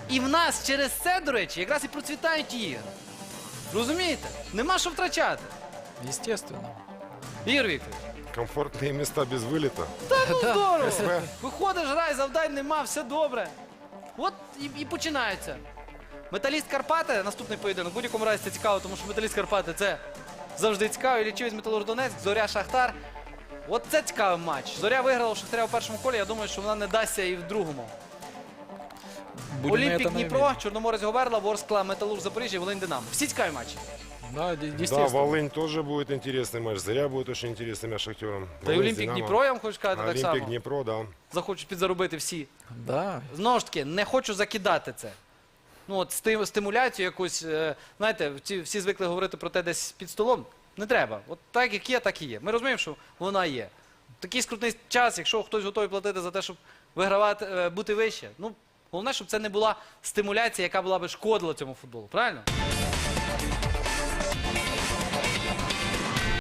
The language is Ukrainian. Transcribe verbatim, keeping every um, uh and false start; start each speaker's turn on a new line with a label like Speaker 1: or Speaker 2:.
Speaker 1: І в нас через це, до речі, якраз і процвітають ігри. Розумієте? Нема що втрачати.
Speaker 2: Естественно.
Speaker 1: Ігор Вікторович.
Speaker 3: Комфортные места без вылета.
Speaker 1: Ну, здорово.
Speaker 3: СВ.
Speaker 1: Виходиш, грай, завдань нема, все добре. От і, і починається. Металіст Карпати, наступний поєдинок. В будь-якому разі це цікаво, тому що Металіст Карпати це завжди цікаво. Іллічівець Металург Донецьк, Зоря Шахтар. От це цікавий матч. Зоря виграла у Шахтаря у першому колі, я думаю, що вона не дасться і в другому.
Speaker 2: Будем на
Speaker 1: Олімпік
Speaker 2: это
Speaker 1: Дніпро,
Speaker 2: надеяться.
Speaker 1: Чорноморець Говерла, Ворскла, Металург Запоріжжя, Волинь Динамо. Всі цікаві матчі.
Speaker 2: Да, де-
Speaker 3: Да,
Speaker 2: естественно.
Speaker 3: Волынь тоже будет интересный матч. Заря будет очень интересный матч с Шахтером.
Speaker 1: Та й
Speaker 3: Волынь с
Speaker 1: Олімпік
Speaker 3: Динамо.
Speaker 1: Дніпро, я вам хочу сказати так
Speaker 3: Олимпик
Speaker 1: само.
Speaker 3: Днепро, да.
Speaker 1: Захочуть підзаробити всі.
Speaker 2: Да.
Speaker 1: Знову ж таки, не хочу закидати це. Ну, от стим- стимуляцію якусь, е, знаєте, ці- всі звикли говорити про те десь під столом. Не треба. От так, як є, так і є. Ми розуміємо, що вона є. Такий скрутний час, якщо хтось готовий платити за те, щоб вигравати, е, бути вище. Ну, головне, щоб це не була стимуляція, яка була би шкодила цьому футболу. Правильно?